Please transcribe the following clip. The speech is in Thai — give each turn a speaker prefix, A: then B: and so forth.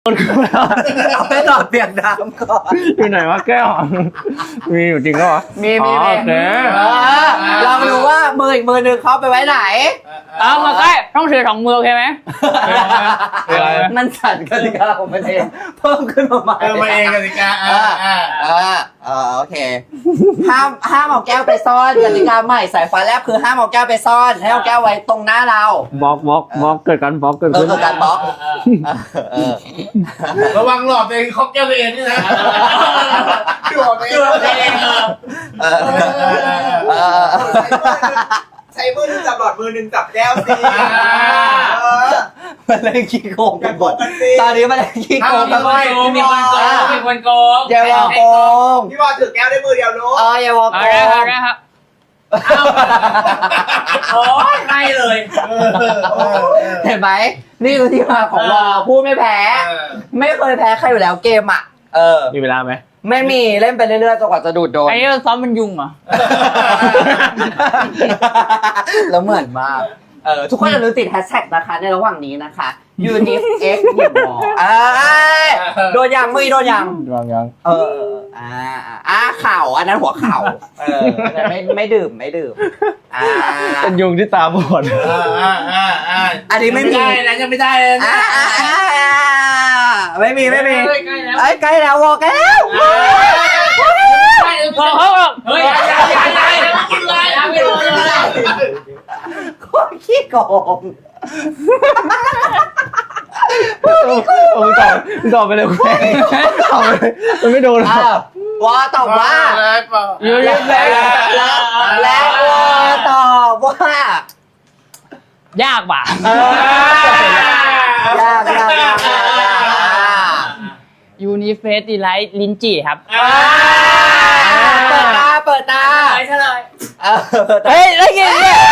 A: เอาไปตอบเปียกน้ำก่อน
B: อยู่ไหนวะแก้วมีอยู่จริงก็วะ
A: มี
B: โอเค
A: ลองดูว่ามืออีกมือหนึ่งเขาไปไว้ไหน
C: เอามาใกล้ต้องถือ2 มือโอเคไหม
A: มันสั่นกติกาของมันเองเพิ่มขึ้นมาใหม่
D: มาเองกติกา
A: โอเคห้ามเอาแก้วไปซ่อนกติกาใหม่สายฟ้าแลบคือห้ามเอาแก้วไปซ่อนให้เอาแก้วไว้ตรงหน้าเรา
B: บล็อกเกิดการบล็อกเกิดขึ้น
A: คือการบล็อก
D: ระวังหลอดเองคอกแก้วตัวเองนี่นะดูออกเองใช้มือหนึ่งจับหลอดมือหนึ่งจับแก้วสิ
A: มันเล่นขี้โกงกันหมดตอนนี้มันเล่นขี้โกงกันหมด
C: มีคนโกง
A: อย่าวอโกง
D: พี่บอลถือแก้วได้มือเดียวนู้
A: อย่าวอโก
C: เอา
A: ง
C: ได้ครับโอ้ยไม่เลย
A: เห็นไหมนี่คือที่มาของวอพูดไม่แพ้ ไม่เคยแพ้ใครอยู่แล้วเกมอ่ะ
B: มีเวลาไหม
A: ไม่มีเล่นไปเรื่อยๆจนกว่าจะดูดโดน
C: ไอ้ซ้อมมันยุงเหรอ
A: แล้วเหมือนมากทุกคนอย่าลืมติดแฮชแท็กนะคะในระหว่างนี้นะคะ UNIF X หยิบวอโดนยังมือโดนยัง
B: ยัง
A: เข่าอันนั้นหัวเข่าไม่ดื่ม
B: เป็นยุงที่ตาบอด
A: อันนี้ไม่มี
D: นะยังไม่ได้เลย
A: ไม่มี
C: ใกล้แล้ว
A: ใกล้แล้ววอใกล้แล้ว
C: พอเขาเฮ้ยอย่ากินเลยไม่โดนเลย
A: โคตรขี้โกง
B: ตอบไปเลยคุณตอบไปเลยมันไม่โดนหรอก
A: วอตอบว่า
C: อยู่เล่นแล้ว
A: แล้ววอตอบว่าย
C: ากว่ะ
A: ยาก
C: ยูนิเฟสดีไลท์ลิ้นจี่ครับ
A: เปิดตา
C: เฉลย
A: เฮ้ยแล้วไงเนี่ย